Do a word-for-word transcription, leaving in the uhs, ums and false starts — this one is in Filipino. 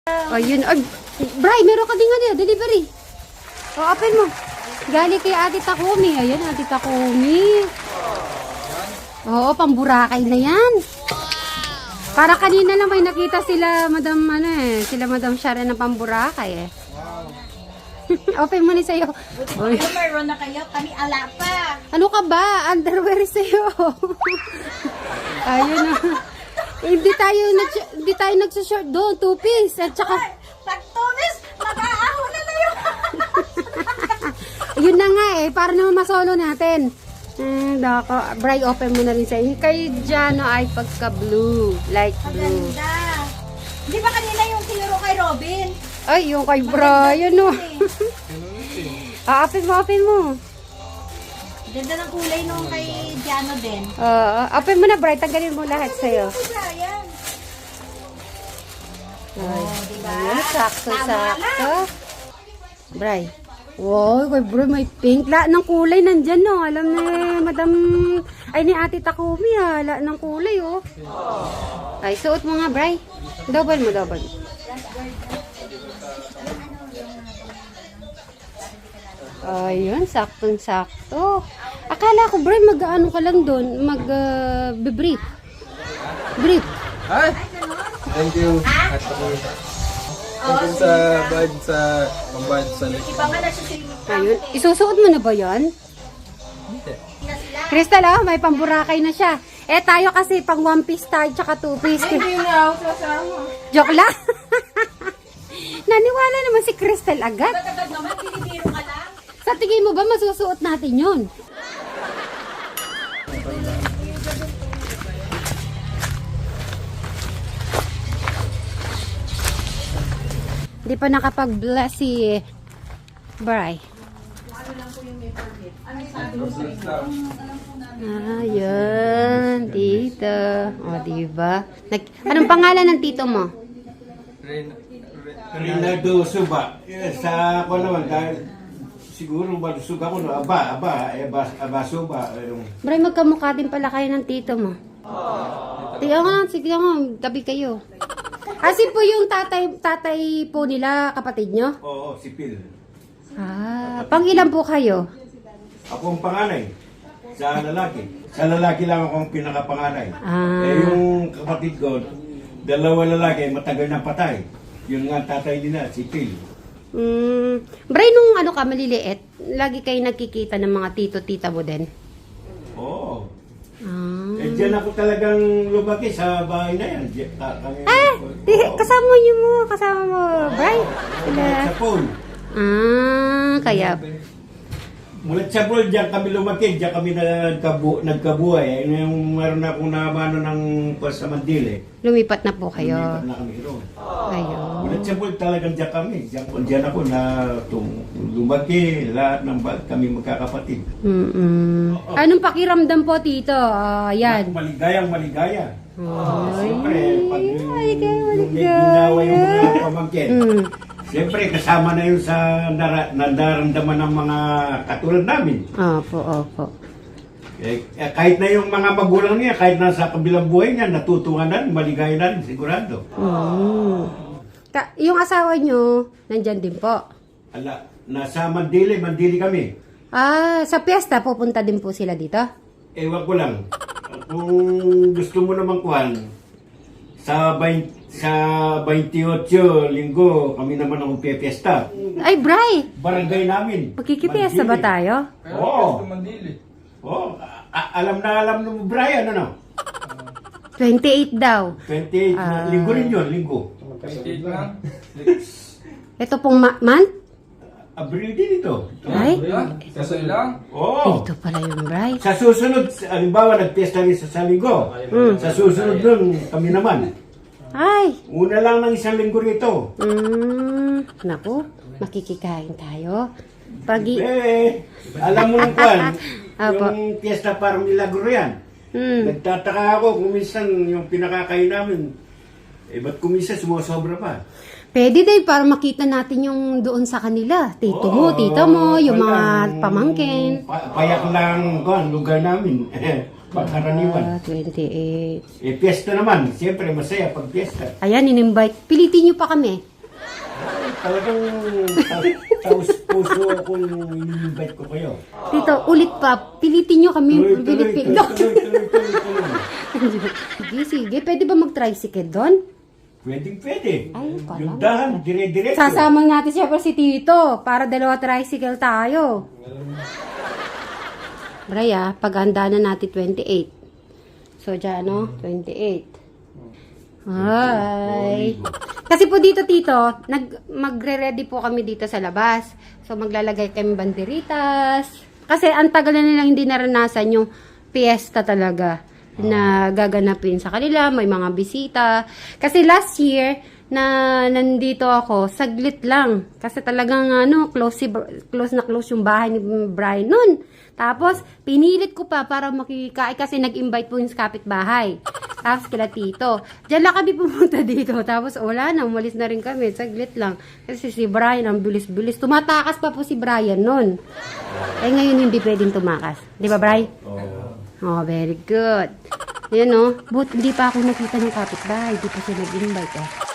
Oh, yun. Ay, Bray, meron ka din ano, delivery. O, oh, open mo. Galing kay Ate Takumi. Ayan, Ate Takumi. Oo, pamburakay na yan. Para kanina lang may nakita sila, Madam, ano eh, sila Madam Sharon ng pamburakay eh. Open mo ni sa'yo. Oy. Meron na kayo, kami ala pa. Ano ka ba? Underwear sa'yo. Ayun na. Hindi tayo, hindi tayo nagsa-short doon. Two piece. At saka... Ay, pag tumis, mag-aaho na na yun. Yun na nga eh. Para naman masolo natin. Eh, dako. Bray, open mo na rin sa'yo. Kay Jano ay pagka-blue. Light blue. Maganda. Di ba kanina yung tinuro kay Robin? Ay, yung kay Brian, no. Ah, open mo, open mo. Ganda ng kulay nung kay Jano din. Uh, open mo na, Bray. Tanggalin mo lahat sa'yo. Kay Brian. Ay, Oh, diba? ayan, sakto, Tama sakto. Bray. Wow, kay Bray, may pink. La ng kulay nandyan, no. Alam ni Madam, ay ni Ate Takumi, ha. La ng kulay, oh. Ay, suot mo nga, Bray. Double mo, double. Ayun, saktong-sakto. Akala ko, Bray, mag-ano ka lang doon, mag-brief. brief. Hi! Thank you. At ako. Thank you sa bag sa pambayad sa lik. Iba nga nagsisilip. Ayun, isusuot mo na ba yan? Crystal, oh, may pamburakay na siya. Eh, tayo kasi pang one piece tayo, tsaka two piece. Hindi na ako sasama. Joke lang. Naniwala naman si Crystal agad. Agad naman, pinibiro ka lang. Sa tingin mo ba masusuot natin yun? Hindi pa nakapag-bless si Bray. Ayan, tito. O, diba? Nag Anong pangalan ng tito mo? Rinaldo Suba. Eh, sa ako naman, dahil siguro malusog ako, no? Aba, aba, aba, aba Suba. Yung... Bray, magkamukha din pala kayo ng tito mo. Tiyo nga, sige nga, tabi kayo. Kasi po yung tatay, tatay po nila, kapatid nyo? Oo, si Phil. Ah, pang ilan po kayo? Ako ang panganay sa lalaki. Sa lalaki lang ako ang pinakapanganay. Ah. Eh, yung kapatid ko, dalawa lalaki, matagal na patay. Yun nga ang tatay nila, si Phil. Mm, Bray, nung ano ka, maliliit, lagi kayo nagkikita ng mga tito-tita mo din? Oo. Ah. Eh, dyan ako talagang lumaki sa bahay na yan. Diyan, ta- kami- Ah, di, Oo. kasama niyo mo, kasama mo, Bray? Sila. Sa pool. Ah, kaya, Mula sa pool, diyan kami lumaki, diyan kami nagkabu nagkabuhay. Ayun yung meron na akong nabano ng sa Mandile. lumipat na po kayo. Lumipat na kami roon. Ayun. Mula sa pool, talagang diyan kami. Diyan, diyan ako na tum- lumaki, lahat ng bag kami magkakapatid. Mm-mm. Anong pakiramdam po, tito? Ah, yan. Maligayang maligaya. Ay, Siyempre, pag yung, maligaya, yung may maligaya. ginawa yung mga pamangkin. Mm. Siyempre, kasama na yun sa nara- nadaramdaman ng mga katulad namin. Opo, opo. Eh, eh, kahit na yung mga magulang niya, kahit nasa kabilang buhay niya, natutuwa na, maligaya na, sigurado. Mm. Ka- yung asawa nyo, nandyan din po. Ala, nasa Mandili, Mandili kami. Ah, sa piyesta, pupunta din po sila dito? Ewan ko lang. Kung gusto mo naman kuhan, sa bain- sa twenty-eight linggo, kami naman ang piesta. Ay, Bray! Barangay namin. Magkikipiyesta ba Mandili. tayo? Oo. Oo. A- alam na alam mo, Brian, ano? twenty-eight daw. twenty-eight, Ah. linggo rin yun, linggo. Ito pong ma- month? Abril din ito. Ay, Kasoy lang? Oo. ito pala yung Bray. Sa susunod, halimbawa, nagpiesta rin sa sa linggo. Mm. Sa susunod nun, kami naman. Ay, Una lang ng isang linggo rito. mm, naku, makikikain tayo. Pag Eh, alam mo nung kwan, Apo. yung fiesta parang milagro yan. mm, Nagtataka ako kung minsan yung pinakakain namin, eh ba't kung minsan sumusobra pa? pwede din para makita natin yung doon sa kanila. Tito mo, Oo, tita mo, yung mga walang- pamangkin. Pa- payak lang kwan, lugar namin. Pagkaraniwan. Ah, twenty-eight. Eh, fiesta naman. Siyempre, masaya pag fiesta. Ayan, in-invite. Pilitin nyo pa kami. Talagang ta- taos puso akong in-invite ko kayo. Tito, ulit pa. Pilitin nyo kami. Tuloy, tuloy, Pilipin. tuloy, tuloy, tuloy, tuloy, tuloy. Sige, sige. Pwede ba mag-tricycle doon? Pwedeng pwede. Ay, pala. Yung dahan, dire-diretso. Sasama natin siya pa si Tito para dalawa tricycle tayo. Braya, paghanda na natin twenty-eight. So, dyan, no? twenty-eight. Hi! Kasi po dito, Tito, nag, magre-ready po kami dito sa labas. So, maglalagay kami banderitas. Kasi ang tagal na nilang hindi naranasan yung fiesta talaga na gaganapin sa kanila. May mga bisita. Kasi last year, na nandito ako, saglit lang. Kasi talagang ano, close, si, close na close yung bahay ni Brian nun. Tapos, pinilit ko pa para makikain kasi nag-invite po yung kapitbahay. Tapos kila Tito. Diyan lang kami pumunta dito. Tapos wala na, umalis na rin kami. Saglit lang. Kasi si Brian, ang bilis-bilis. Tumatakas pa po si Brian nun. Eh ngayon hindi pwedeng tumakas. Di ba, Brian? Oh. Oh, very good. Yan, no? But hindi pa ako nakita ng kapitbahay. Di pa siya nag-invite, eh.